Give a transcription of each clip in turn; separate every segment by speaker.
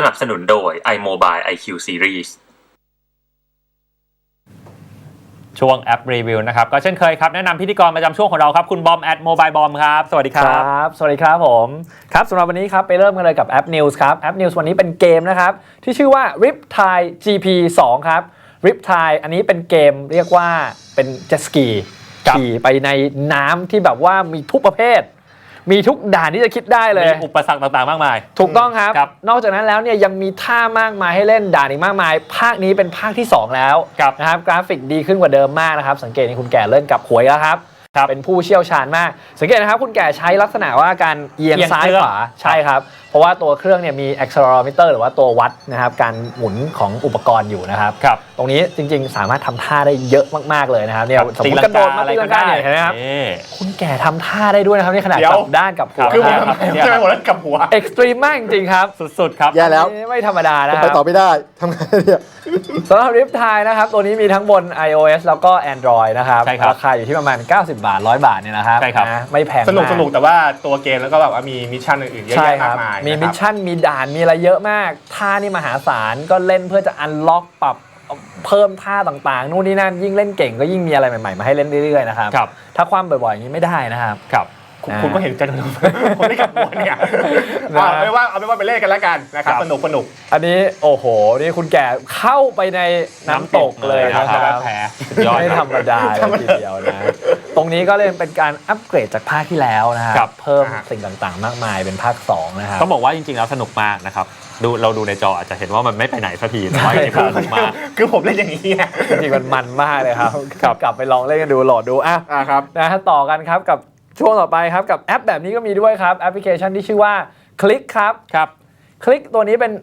Speaker 1: นับสนุนโดย iMobile IQ Series
Speaker 2: ช่วงแอปรีวิวนะครับก็เช่นเคยครับแนะนำพิธีกรประจำช่วงของเราครับคุณบอม@Mobile Bomb ครับสวัสดีครับ
Speaker 3: สวัสดีครับผมครับสำหรับวันนี้ครับไปเริ่มกันเลยกับแอป News ครับแอป News วันนี้เป็นเกมนะครับที่ชื่อว่า Riptide GP2 ครับ Riptide อันนี้เป็นเกมเรียกว่าเป็นเจ็ตสกีขี่ไปในน้ำที่แบบว่ามีทุกประเภทมีทุกด่านที่จะคิดได้เลย
Speaker 2: มีอุปสรรคต่างๆมากมาย
Speaker 3: ถูกต้องครับนอกจากนั้นแล้วเนี่ยยังมีท่ามากมายให้เล่นด่านอีกมากมายภาคนี้เป็นภาคที่2แล้วนะครับกราฟิกดีขึ้นกว่าเดิมมากนะครับสังเกตในคุณแก่เล่นกับหวยแล้วครับเป็นผู้เชี่ยวชาญมากสังเกตนะครับคุณแก่ใช้ลักษณะว่าการเอียงซ้ายขวาใช่ครับเพราะว่าตัวเครื่องเนี่ยมี accelerometer หรือว่าตัววัดนะครับการหมุนของอุปกรณ์อยู่นะครับตรงนี้จริงๆสามารถทำท่าได้เยอะมากๆเลยนะครับเนี่ยสมมติกระโดดมาตีลังกาเนี่ยเห็นไหมครับคุณแก่ทำท่าได้ด้วยนะครับในขณะกลับด้านกับหัว
Speaker 4: คือผมทำไมหัวแล้วกับหัว
Speaker 3: เอ็กซ์ตรีมมากจริงๆครับ
Speaker 2: สุดๆครับ
Speaker 4: แย่แล้ว
Speaker 3: ไม่ธรรมดานะ
Speaker 4: ไปต่อไม่ได้ทำไงเนี่ย
Speaker 3: สำหรับ Riptide นะครับตัวนี้มีทั้งบน iOS แล้วก็ Android นะครับราคาอยู่ที่ประมาณ90 บาท100 บาทเนี่ยนะครับไม่แพง
Speaker 4: สนุกแต่ว่าตัวเกมแล้วก็แบบว่ามีมิชชั่นอื่นๆเยอะแยะมากมาย
Speaker 3: มีมิชชั่นมีด่านมีอะไรเยอะมากท่านี่มหาศาลก็เล่นเพื่อจะอันล็อกปรับเพิ่มท่าต่างๆนู่นนี่นั่นยิ่งเล่นเก่งก็ยิ่งมีอะไรใหม่ๆมาให้เล่นเรื่อยๆนะครับถ้าความบ่อยๆอย่างนี้ไม่ได้นะครับ
Speaker 4: คุณก็เห็นใจผมไม่กับหัวเนี่ยเอาเป็นว่าไปเล่นกันแล้วกันนะครับสนุก
Speaker 3: อันนี้โอ้โหนี่คุณแก่เข้าไปในน้ำตกเลยนะครับไม่ธรรมดาเลยทีเดียวนะตรงนี้ก็เลยเป็นการอัปเกรดจากภาคที่แล้วนะครับเพิ่มสิ่งต่างๆมากมายเป็นภาค2นะครับ
Speaker 2: ต้องบอกว่าจริงๆแล้วสนุกมากนะครับเราดูในจออาจจะเห็นว่ามันไม่ไปไหนสักทีแต่ว่าจริงๆสนุกมาก
Speaker 4: คือผมเล่นอย่างนี้
Speaker 3: จริงๆมันมากเลยครับกลับไปลองเล่นกันดูโหลดดู
Speaker 4: ครับ
Speaker 3: นะต่อกันครับกับช่วงต่อไปครับกับแอปแบบนี้ก็มีด้วยครับแอปพลิเคชันที่ชื่อว่า Click ครับClick ตัวนี้เป็น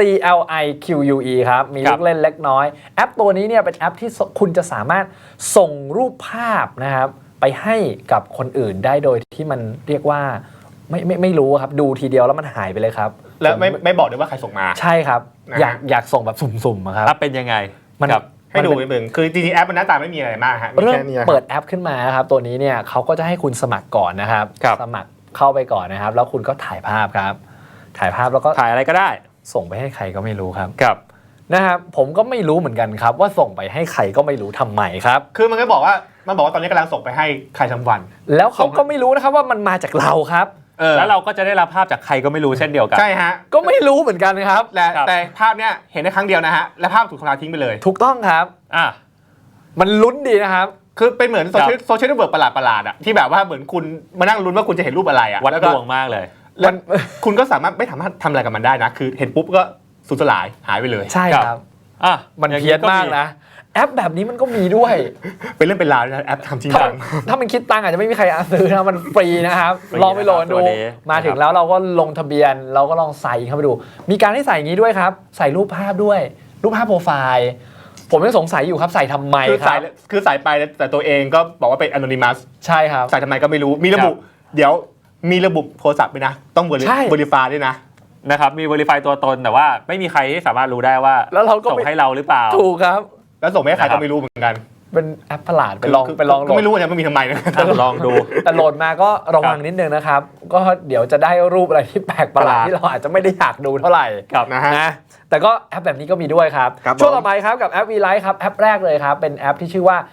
Speaker 3: CLIQUE ครับมีลูกเล่นเล็กน้อยแอปตัวนี้เนี่ยเป็นแอปที่คุณจะสามารถส่งรูปภาพนะครับไปให้กับคนอื่นได้โดยที่มันเรียกว่าไม่รู้ครับดูทีเดียวแล้วมันหายไปเลยครับ
Speaker 4: แล้วไม่บอกด้วยว่าใครส่งมา
Speaker 3: ใช่ครับอยากส่งแบบสุ่มๆครับ
Speaker 2: เป็นยังไง
Speaker 4: ให้ดูนึงคือจริงๆแอปมันหน้าตาไม่มีอะไรมากฮะ
Speaker 3: เริ่มเปิดแอปขึ้นมาครับตัวนี้เนี่ยเขาก็จะให้คุณสมัครก่อนนะครับสมัครเข้าไปก่อนนะครับแล้วคุณก็ถ่ายภาพครับถ่ายภาพแล้วก็
Speaker 2: ถ่ายอะไรก็ได้
Speaker 3: ส่งไปให้ใครก็ไม่รู้ครับนะครับผมก็ไม่รู้เหมือนกันครับว่าส่งไปให้ใครก็ไม่รู้ทำไมครับ
Speaker 4: คือมันบอกว่าตอนนี้กำลังส่งไปให้ใครสักวัน
Speaker 3: แล้วเขาก็ไม่รู้นะครับว่ามันมาจากเราครับ
Speaker 2: แล้วเราก็จะได้รับภาพจากใครก็ไม่รู้เช่นเดียวกัน
Speaker 4: ใช่ฮะ
Speaker 3: ก็ไม่รู้เหมือนกันครับ
Speaker 4: แต่ภาพเนี้ยเห็นได้ครั้งเดียวนะฮะและภาพถูกทำลายทิ้งไปเลย
Speaker 3: ถูกต้องครับมันลุ้นดีนะครับ
Speaker 4: คือเป็นเหมือนโซเชียลเน็ตเวิร์กประหลาดอ่ะที่แบบว่าเหมือนคุณมานั่งลุ้นว่าคุณจะเห็นรูปอะไรอ่ะ
Speaker 2: วัดดวงมากเลย
Speaker 4: แล้วคุณก็สามารถไม่สามารถทำอะไรกับมันได้นะคือเห็นปุ๊บก็สูญสลายหายไปเลย
Speaker 3: ใช่ครับมันเพี้ยนมากนะแอปแบบนี้มันก็มีด้วย
Speaker 4: เป็นเรื่องเป็นราวนะแอปทำจริงจัง
Speaker 3: ถ้ามันคิดตังค์อาจจะไม่มีใครซื้อนะมันฟรีนะครับลองไปโหลดดูมาถึงแล้วเราก็ลงทะเบียนเราก็ลองใส่เข้าไปดูมีการให้ใส่อย่างนี้ด้วยครับใส่รูปภาพด้วยรูปภาพโปรไฟล์ผมยังสงสัยอยู่ครับใส่ทำไมครับ
Speaker 4: คือใส่ไปแต่ตัวเองก็บอกว่าเป็น anonymous
Speaker 3: ใช่ครับ
Speaker 4: ใส่ทำไมก็ไม่รู้มีระบุเดี๋ยวมีระบุโทรศัพท์ด้วยนะต้องverify ด้วย
Speaker 2: นะครับมี verify ตัวตนแต่ว่าไม่มีใครที่สามารถรู้ได้ว่าส่งให้เราหรือเปล่า
Speaker 3: ถูกครับ
Speaker 4: แล้วส่งให้ใครก็ไม่รู้เหมือนกัน
Speaker 3: เป็นแอปประหลาดไปลองโหลด
Speaker 4: ก็ไม่รู้ว่ามันมีทำไมนะ
Speaker 2: ลองดู
Speaker 3: แต่โหลดมาก็ระวังนิดนึงนะครับก็เดี๋ยวจะได้รูปอะไรที่แปลกประหลาดที่เราอาจจะไม่ได้อยากดูเท่าไหร่นะแต่ก็แอปแบบนี้ก็มีด้วยครับช่วงต่อไปครับกับแอป V-Lite ครับแอปแรกเลยครับเป็นแอปที่ชื่อว่า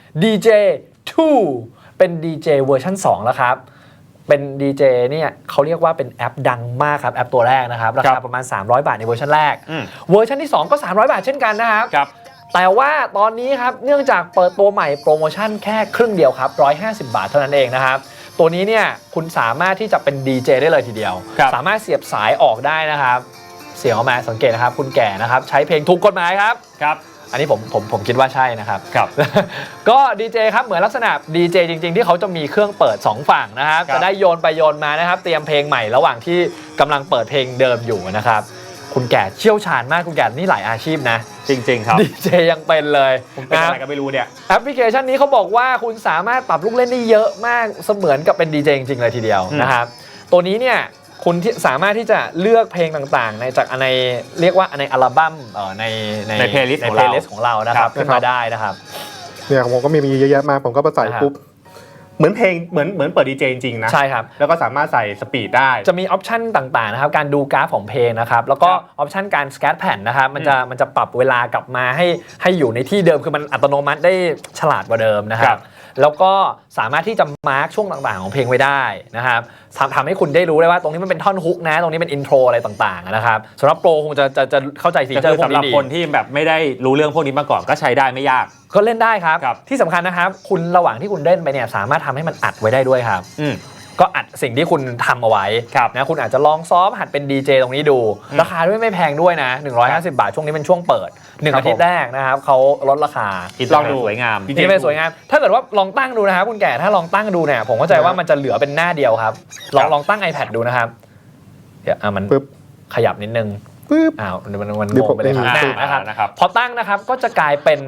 Speaker 3: DJ2 เป็น DJ เวอร์ชัน2แล้วครับเป็น DJ เนี่ยเขาเรียกว่าเป็นแอปดังมากครับแอปตัวแรกนะครับราคาประมาณ300 บาทในเวอร์ชันแรกเวอร์ชันที่2ก็300 บาทเช่นกันนะครับแต่ว่าตอนนี้ครับเนื่องจากเปิดตัวใหม่โปรโมชั่นแค่ครึ่งเดียวครับ150 บาทเท่านั้นเองนะครับตัวนี้เนี่ยคุณสามารถที่จะเป็น DJ ได้เลยทีเดียวสามารถเสียบสายออกได้นะครับเสียงออกมาสังเกตนะครับคุณแก่นะครับใช้เพลงถูกกฎหมายครับอันนี้ผมคิดว่าใช่นะครับก็ดีเจครับเหมือนลักษณะดีเจจริงๆที่เขาจะมีเครื่องเปิด2ฝั่งนะครับจะได้โยนไปโยนมานะครับเตรียมเพลงใหม่ระหว่างที่กำลังเปิดเพลงเดิมอยู่นะครับคุณแก่เชี่ยวชาญมากคุณแก่นี่หลายอาชีพนะ
Speaker 2: จริงๆครับ
Speaker 3: ดีเจยังเป็นเลย
Speaker 4: ผมเป็นอะไรก็ไม่รู้เนี่ย
Speaker 3: แอปพลิเคชันนี้เขาบอกว่าคุณสามารถปรับลูกเล่นได้เยอะมากเสมือนกับเป็นดีเจจริงๆเลยทีเดียวนะครับตัวนี้เนี่ยคุณสามารถที่จะเลือกเพลงต่างๆในจากในเรียกว่าในอัลบั้ม
Speaker 2: ในเพลย์ลิสต์
Speaker 3: ของเรานะครับขึ้นมาได้นะครับ
Speaker 4: เนี่ยของผมก็มีเยอะแยะมากผมก็ไปใส่ปุ๊บเหมือนเพลงเหมือนเปิดดีเจจริงๆนะ
Speaker 3: ใช่ครับ
Speaker 4: แล้วก็สามารถใส่สปีดได้
Speaker 3: จะมีออปชันต่างๆนะครับการดูกราฟของเพลงนะครับแล้วก็ออปชันการสแกนแผ่นนะครับมันจะปรับเวลากลับมาให้อยู่ในที่เดิมคือมันอัตโนมัติได้ฉลาดกว่าเดิมนะครับแล้วก็สามารถที่จะมาร์กช่วงต่างๆของเพลงไว้ได้นะครับทำให้คุณได้รู้ได้ว่าตรงนี้มันเป็นท่อนฮุกนะตรงนี้เป็นอินโทรอะไรต่างๆนะครับสำหรับโปรคงจะเข้าใจฟีเจอร์พวกนี้ดี
Speaker 2: สำหรับคนที่แบบไม่ได้รู้เรื่องพวกนี้มาก่อนก็ใช้ได้ไม่ยาก
Speaker 3: ก็เล่นได้ครับที่สำคัญนะครับคุณระหว่างที่คุณเล่นไปเนี่ยสามารถทำให้มันอัดไว้ได้ด้วยครับก็อัดสิ่งที่คุณทำเอาไว้นะคุณอาจจะลองซ้อมหัดเป็นดีเจตรงนี้ดูราคาด้วยไม่แพงด้วยนะ150 บาทช่วงนี้เป็นช่วงเปิด1อาทิตย์แรกนะครับเขาลดราคา
Speaker 2: ลองดูสวยงาม
Speaker 3: นี่เป็นสวยงามถ้าเกิดว่าลองตั้งดูนะครับคุณแก่ถ้าลองตั้งดูเนี่ยผมเข้าใจว่ามันจะเหลือเป็นหน้าเดียวครับลองตั้ง iPad ดูนะครับเดี๋ยวมันขยับนิดนึงมันงงไปเลยนะครับพอตั้งนะครับก็จะกลายเป็น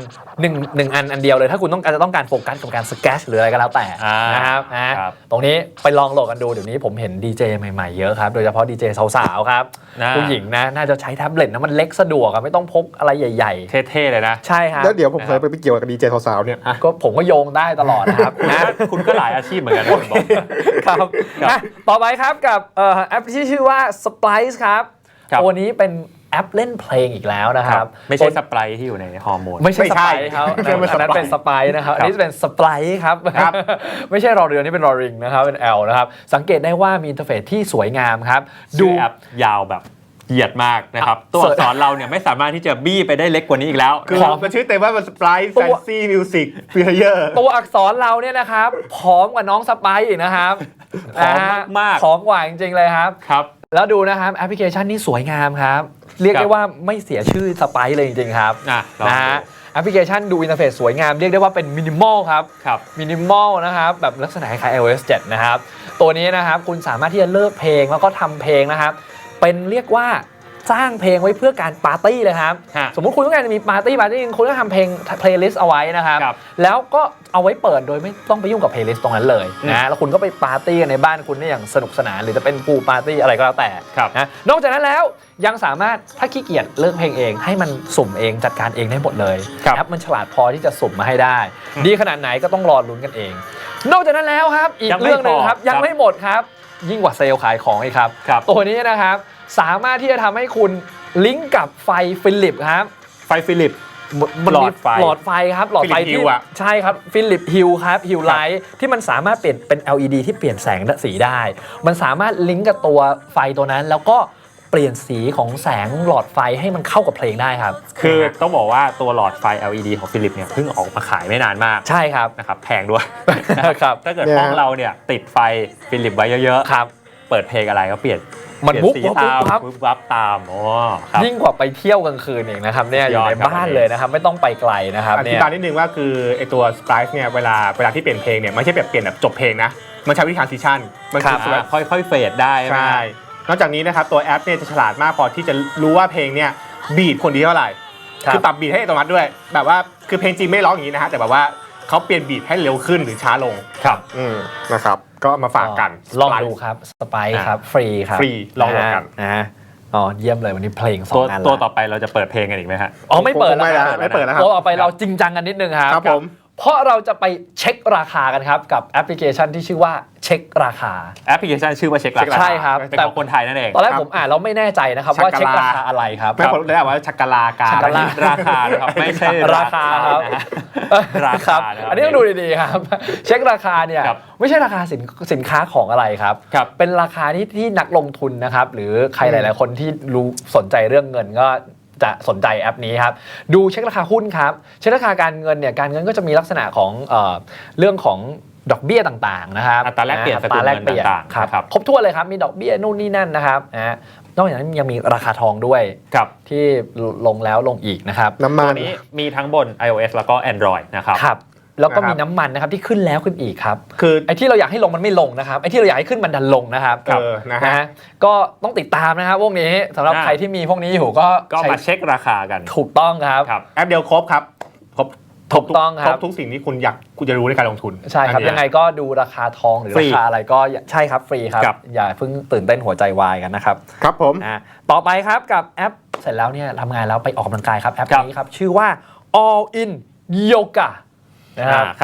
Speaker 3: 1อันเดียวเลยถ้าคุณต้องการโฟกัสกับการสแกชหรืออะไรก็แล้วแต่นะครับตรงนี้ไปลองโหลดกันดูเดี๋ยวนี้ผมเห็นดีเจใหม่ๆเยอะครับโดยเฉพาะดีเจสาวๆครับผู้หญิงนะน่าจะใช้แท็บเล็ตนะมันเล็กสะดวกไม่ต้องพกอะไรใหญ่
Speaker 2: ๆเท่ๆเลยนะ
Speaker 3: ใช่ครับ
Speaker 4: แล้วเดี๋ยวผมเคยไปเกี่ยวกับดีเจสาวๆเนี่ย
Speaker 3: ก็ผมก็โยงได้ตลอดนะครับ
Speaker 2: คุณก็หลายอาชีพเหมือนกัน
Speaker 3: ครับต่อไปครับกับแอปที่ชื่อว่า Splice ครับตัวนี้เป็นแอปเล่นเพลงอีกแล้วนะครับ
Speaker 2: ไม่ใช่สไปร์ที่อยู่ในฮอร์โมน
Speaker 3: ไม่ใช่สไปร์ครับอันนั้นเป็นสไปร์นะครับอันนี้เป็นสไปร์ครับไม่ใช่รอเรือนี่เป็นรอริงนะครับเป็น L นะครับสังเกตได้ว่ามีอินเทอร์เฟซที่สวยงามครับ
Speaker 2: ดูแอปยาวแบบเหยียดมากนะครับตัวอักษรเราเนี่ยไม่สามารถที่จะบี้ไปได้เล็กกว่านี้อีกแล้ว
Speaker 4: คือมันชื่อเต็มว่ามัน Splice Fancy Music Player
Speaker 3: ตัวอักษรเราเนี่ยนะครับผอมกว่าน้องสไปร์อีกนะครับ
Speaker 2: ผอมมาก
Speaker 3: ผอมกว่าจริงๆเลยครับแล้วดูนะครับแอปพลิเคชันนี้สวยงามครับเรียกได้ว่าไม่เสียชื่อสไปร์เลยจริงๆครับนะฮะแอปพลิเคชันดูอินเทอร์เฟซสวยงามเรียกได้ว่าเป็นมินิมอลครับมินิมอลนะครับแบบลักษณะคล้าย iOS 7 นะครับตัวนี้นะครับคุณสามารถที่จะเลือกเพลงแล้วก็ทำเพลงนะครับเป็นเรียกว่าสร้างเพลงไว้เพื่อการปาร์ตี้เลยครับสมมุติคุณต้องการจะมีปาร์ตี้คุณก็ทำเพลย์ลิสต์เอาไว้นะครับแล้วก็เอาไว้เปิดโดยไม่ต้องไปยุ่งกับเพลย์ลิสต์ตรงนั้นเลยนะแล้วคุณก็ไปปาร์ตี้กันในบ้านคุณได้อย่างสนุกสนานหรือจะเป็นพูลปาร์ตี้อะไรก็แล้วแต่นะนอกจากนั้นแล้วยังสามารถถ้าขี้เกียจเลือกเพลงเองให้มันสุ่มเองจัดการเองได้หมดเลยแอปมันฉลาดพอที่จะสุ่มมาให้ได้ดีขนาดไหนก็ต้องรอลุ้นกันเองนอกจากนั้นแล้วครับอีกเรื่องนึงครับยังไม่หมดครับยิ่งกว่าเซลล์ขายของอีกครับตัวนี้นะครับสามารถที่จะทำให้คุณลิงก์กับไฟฟิลิปครับ
Speaker 2: ไฟฟิลิป
Speaker 3: หลอดไฟครับหลอดไฟที่ใช่ครับฟิลิปฮิลครับฮิลไลท์ที่มันสามารถเปลี่ยนเป็น LED ที่เปลี่ยนแสงสีได้มันสามารถลิงก์กับตัวไฟตัวนั้นแล้วก็เปลี่ยนสีของแสงหลอดไฟให้มันเข้ากับเพลงได้ครับ
Speaker 2: คือต้องบอกว่าตัวหลอดไฟ LED ของฟิลิปเนี่ยเพิ่งออกมาขายไม่นานมาก
Speaker 3: ใช่ครับ
Speaker 2: นะครับแพงด้วยครับถ้าเกิดห้องเราเนี่ยติดไฟฟิลิปไว้เยอะ
Speaker 3: ๆครับ
Speaker 2: เปิดเพลงอะไรก็เปลี่ยน
Speaker 3: มันวุบ
Speaker 2: วับตาม
Speaker 3: ยิ่งกว่าไปเที่ยวกลางคืนเองนะครับเนี่ยอยู่ในบ้านเลยนะครับไม่ต้องไปไกลนะครับ
Speaker 4: อธิบายนิดนึงว่าคือไอตัว Splice เนี่ยเวลาที่เปลี่ยนเพลงเนี่ยไม่ใช่แบบเปลี่ยนแบบจบเพลงนะมันใช้วิธีทรานซิชัน
Speaker 2: มันคือแบบค่อยๆเฟดได้
Speaker 4: ใช่นอกจากนี้นะครับตัวแอปเนี่ยจะฉลาดมากพอที่จะรู้ว่าเพลงเนี่ยบีทคนดีเท่าไหร่คือปรับบีทให้อัตโนมัติด้วยแบบว่าคือเพลงจริงไม่ร้องอย่างนี้นะฮะแต่แบบว่าเขาเปลี่ยนบีทให้เร็วขึ้นหรือช้าลง
Speaker 2: ครับ
Speaker 4: นะครับก็มาฝากกัน
Speaker 3: ลองดูครับสไปซ์ครับฟรีครับ
Speaker 4: ฟรีลองกัน
Speaker 3: นะเยี่ยมเลยวันนี้เพลง2อัน
Speaker 2: ตัวต่อไปเราจะเปิดเพลงกันอีกไหมฮะ
Speaker 3: ไม่เปิดแล้วครับตัวต่อไปเราจริงจังกันนิดนึงครับ
Speaker 4: ผม
Speaker 3: เพราะเราจะไปเช็คราคากันครับกับแอปพลิเคชันที่ชื่อว่าเช็คราคา
Speaker 2: แอปพลิเคชันชื่อว่าเช็คราคา
Speaker 3: ใช่ครับ
Speaker 2: แต่คนไทยนั่นเอง
Speaker 3: ตอนแรกผมอ่านแล้วไม่แน่ใจนะครับว่าเช็คราคาอะไรครับ
Speaker 4: ไม่ผมเลยว่าชักกะลาการ
Speaker 2: ราคาครับไม่ใช่
Speaker 3: ราคาครับ
Speaker 2: ราคา
Speaker 3: อันนี้ต้องดูดีๆครับเช็คราคาเนี่ยไม่ใช่ราคาสินค้าของอะไรครับเป็นราคาที่นักลงทุนนะครับหรือใครหลายๆคนที่รู้สนใจเรื่องเงินก็จะสนใจแอปนี้ครับดูเช็คราคาหุ้นครับเช็คราคาการเงินเนี่ยการเงินก็จะมีลักษณะของเรื่องของดอกเบี้ยต่างๆนะครับ
Speaker 2: อัตราแลกเปลี่ยน
Speaker 3: ต่างๆครับครบถ้วนเลยครับมีดอกเบี้ยนู่นนี่นั่นนะครับนอกจากนั้นยังมีราคาทองด้วยที่ลงแล้วลงอีกนะครับ
Speaker 4: น้ำมัน
Speaker 2: นี้มีทั้งบน iOS แล้วก็ Android นะครับ
Speaker 3: แล้วก็มีน้ำมันนะครับที่ขึ้นแล้วขึ้นอีกครับคือไอ้ที่เราอยากให้ลงมันไม่ลงนะครับไอ้ที่เราอยากให้ขึ้นมันดันลงนะครับ
Speaker 4: นะฮะ
Speaker 3: ก็ต้องติดตามนะครับพวกนี้สำหรับใครที่มีพวกนี้อยู่ก็
Speaker 2: มาเช็คราคากัน
Speaker 3: ถูกต้องครับ
Speaker 4: แอปเดียวครบครับ
Speaker 3: ถูกต้องครับ
Speaker 4: ครบทุกสิ่งที่คุณจะรู้ในการลงทุน
Speaker 3: ใช่ครับยังไงก็ดูราคาทองหรือราคาอะไรก็ใช่ครับฟรีครับอย่าเพิ่งตื่นเต้นหัวใจวายกันนะครับ
Speaker 4: ครับผม
Speaker 3: ต่อไปครับกับแอปเสร็จแล้วเนี่ยทำงานแล้วไปออกกำลังกายครับแอปนี้ครับชื่อว่า All in Yoga นะครับ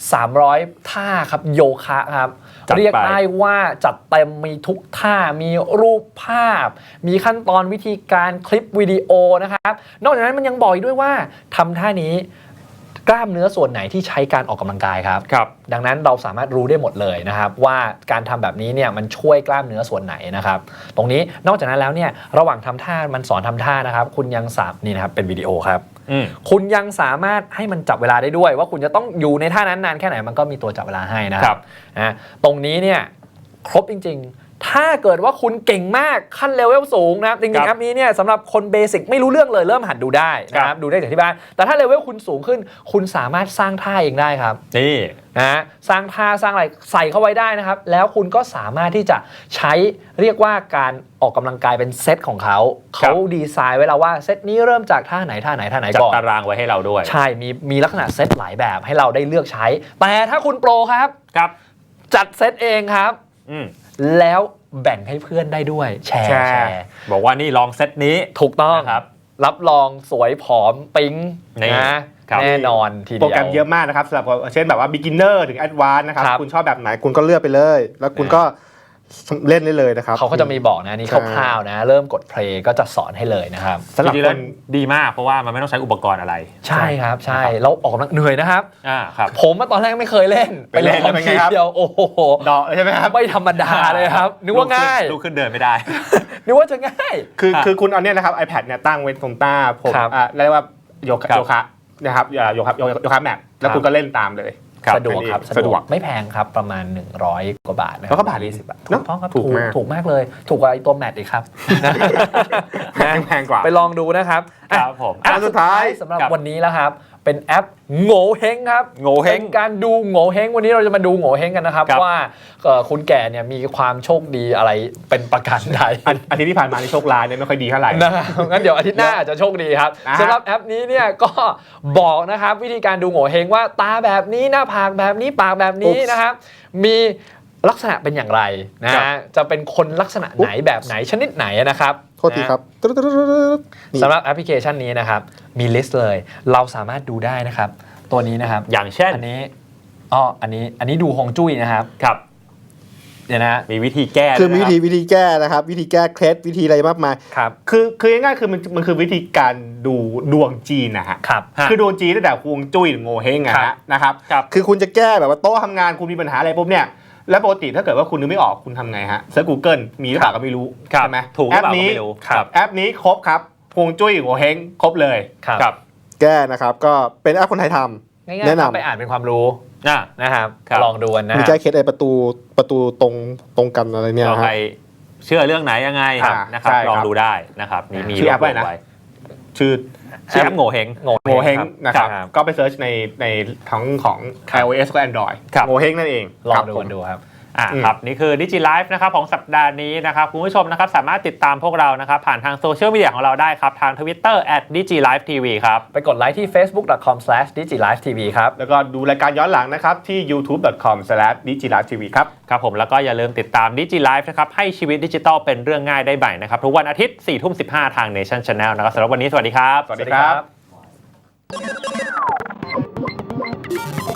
Speaker 3: 300 ท่าครับโยคะครับ
Speaker 2: จัดไป
Speaker 3: เรียกได้ว่าจัดเต็มมีทุกท่ามีรูปภาพ มีขั้นตอนวิธีการคลิปวิดีโอนะครับนอกจากนั้นมันยังบอกอีกด้วยว่าทำท่านี้กล้ามเนื้อส่วนไหนที่ใช้การออกกำลังกายครับ
Speaker 2: ครับ
Speaker 3: ดังนั้นเราสามารถรู้ได้หมดเลยนะครับว่าการทำแบบนี้เนี่ยมันช่วยกล้ามเนื้อส่วนไหนนะครับตรงนี้นอกจากนั้นแล้วเนี่ยระหว่างทำท่ามันสอนทำท่านะครับคุณยังนี่นะครับเป็นวิดีโอครับคุณยังสามารถให้มันจับเวลาได้ด้วยว่าคุณจะต้องอยู่ในท่านั้นนานแค่ไหนมันก็มีตัวจับเวลาให้นะครับนะตรงนี้เนี่ยครบจริงๆถ้าเกิดว่าคุณเก่งมากขั้นเลเวลสูงนะครับจริงๆแอปนี้เนี่ยสำหรับคนเบสิกไม่รู้เรื่องเลยเริ่มหัดดูได้นะครับดูได้จากที่บ้านแต่ถ้าเลเวลคุณสูงขึ้นคุณสามารถสร้างท่าเองได้ครับ
Speaker 2: นี่
Speaker 3: นะสร้างท่าสร้างอะไรใส่เข้าไว้ได้นะครับแล้วคุณก็สามารถที่จะใช้เรียกว่าการออกกำลังกายเป็นเซตของเขาดีไซน์ไว้แล้วว่าเซตนี้เริ่มจากท่าไหน
Speaker 2: จัด
Speaker 3: ก่อน
Speaker 2: ตารางไว้ให้เราด้วย
Speaker 3: ใช่มีลักษณะเซตหลายแบบให้เราได้เลือกใช้แต่ถ้าคุณโปรครับจัดเซตเองครับแล้วแบ่งให้เพื่อนได้ด้วยแชร์
Speaker 2: บอกว่านี่ลองเซตนี้
Speaker 3: ถูกต้อง
Speaker 2: ครับ
Speaker 3: รับรองสวยผอมปิ๊งนะแน่นอนทีเดียว
Speaker 4: โปรแกรมเยอะมากนะครับสำหรับเช่นแบบว่า beginner ถึง advanced นะครับคุณชอบแบบไหนคุณก็เลือกไปเลยแล้วคุณก็เล่นได้เลยนะครับ
Speaker 3: เขาก็จะมีบอกนะนี่คร่าวๆนะเริ่มกดเพลย์ก็จะสอนให้เลยนะครับ
Speaker 2: สำหรับคนดีมากเพราะว่ามันไม่ต้องใช้อุปกรณ์อะไร
Speaker 3: ใช่ครับใช่แล้วออกกำลังเหนื่อยนะครับ
Speaker 2: ครับ
Speaker 3: ผมตอนแรกไม่เคยเล่น
Speaker 4: ไปเล่นเป็นไงครับ
Speaker 3: เดียวโอ้โห
Speaker 4: ดอกใช่ไหมครับ
Speaker 3: ไม่ธรรมดาเลยครับนึกว่าง่าย
Speaker 2: ลุกขึ้นเดินไม่ได้
Speaker 3: นึกว่าจะง่าย
Speaker 4: คือคุณเอาเนี่ยนะครับ iPad เนี่ยตั้งไว้ตรงหน้าผมเรียกว่าโยคะนะครับโยคะแมปแล้วคุณก็เล่นตามเลย
Speaker 3: สะดวกครับสะดวกไม่แพงครับประมาณ100 กว่าบาทนะ
Speaker 4: แล้วก็บาท
Speaker 3: 20 บาทถูกต้องครับถูกมากเลยถูกกว่าตัวแมทอีกครับ
Speaker 4: แพงกว่า
Speaker 3: ไปลองดูนะครับ
Speaker 2: ครับผม
Speaker 3: อันสุดท้ายสำหรับวันนี้แล้วครับเป็นแอปโง่เฮงครับ
Speaker 2: โง่เฮง
Speaker 3: การดูโง่เฮงวันนี้เราจะมาดูโง่เฮงกันนะครับว่าคุณแก่เนี่ยมีความโชคดีอะไรเป็นประการใด
Speaker 4: อาทิตย์ที่ผ่านมาในโชคร้ายเนี่ยไม่ค่อยดีเท่าไหร่
Speaker 3: นะครับงั้นเดี๋ยวอาทิตย์หน้าอาจจะโชคดีครับสำหรับแอปนี้เนี่ยก็บอกนะครับวิธีการดูโง่เฮงว่าตาแบบนี้หน้าผากแบบนี้ปากแบบนี้นะครับมีลักษณะเป็นอย่างไรนะจะเป็นคนลักษณะไหนแบบไหนชนิดไหนนะครับ
Speaker 4: โทษทีครับ
Speaker 3: สำหรับแอปพลิเคชันนี้นะครับมีลิสต์เลยเราสามารถดูได้นะครับตัวนี้นะครับ
Speaker 2: อย่างเช่น
Speaker 3: อันนี้ดูฮวงจุ้ยนะครับเดี๋ยวนะ
Speaker 2: มีวิธีแก้
Speaker 4: คือวิธีแก้นะครับวิธีแก้เคล็ดวิธีอะไรมากมาย
Speaker 3: ครับ
Speaker 4: คือง่ายๆคือมันคือวิธีการดูดวงจีนนะฮะคือดวงจีนตั้งแต่ฮวงจุ้ยโง่เฮงนะครับคือคุณจะแก้แบบว่าโต๊ะทำงานคุณมีปัญหาอะไรปุ๊บเนี่ยแล้วปกติถ้าเกิดว่าคุณนึกไม่ออกคุณทำไงฮะเซิร์ช Google มีหรือเปล่าก็ไม่รู้ใช่ไหม
Speaker 2: ถูกหรือเปล่าก็ไม่รู้
Speaker 4: แอปนี้ครบครับฮวงจุ้ยโง่เฮงครบเลย
Speaker 3: ครับ
Speaker 4: แก้นะครับก็เป็นแอปคนไทยทำแนะนำ
Speaker 3: ไปอ่านเป็นความรู้นะครับลองดูนะ
Speaker 4: มีแก้เคล็ดอะไรประตูตรงกันอะไรเนี่ย
Speaker 2: ใครเชื่อเรื่องไหนยังไงนะครับลองดูได้นะครับมี
Speaker 4: ชื่อแอปไว้นะชื่อ
Speaker 2: แอปโง่เฮง
Speaker 4: นะครับก็ไปเซิร์ชในทั้งของ iOS และ Android โง่เฮงนั่นเอง
Speaker 3: ลองดูครับ
Speaker 2: ครับนี่คือ Digi Life นะครับของสัปดาห์นี้นะครับคุณผู้ชมนะครับสามารถติดตามพวกเรานะครับผ่านทางโซเชียลมีเดียของเราได้ครับทาง Twitter @digilivetv ครับ
Speaker 3: ไปกดไลค์ที่ facebook.com/digilivetv ครับ
Speaker 4: แล้วก็ดูรายการย้อนหลังนะครับที่ youtube.com/digilivetv ครับ
Speaker 2: ครับผมแล้วก็อย่าลืมติดตาม Digi Life นะครับให้ชีวิตดิจิทัลเป็นเรื่องง่ายได้ใหม่นะครับทุกวันอาทิตย์ 4:15 ทาง Nation Channel นะครับสำหรับวันนี้สวัสดีครับ
Speaker 3: สวัสดีครับ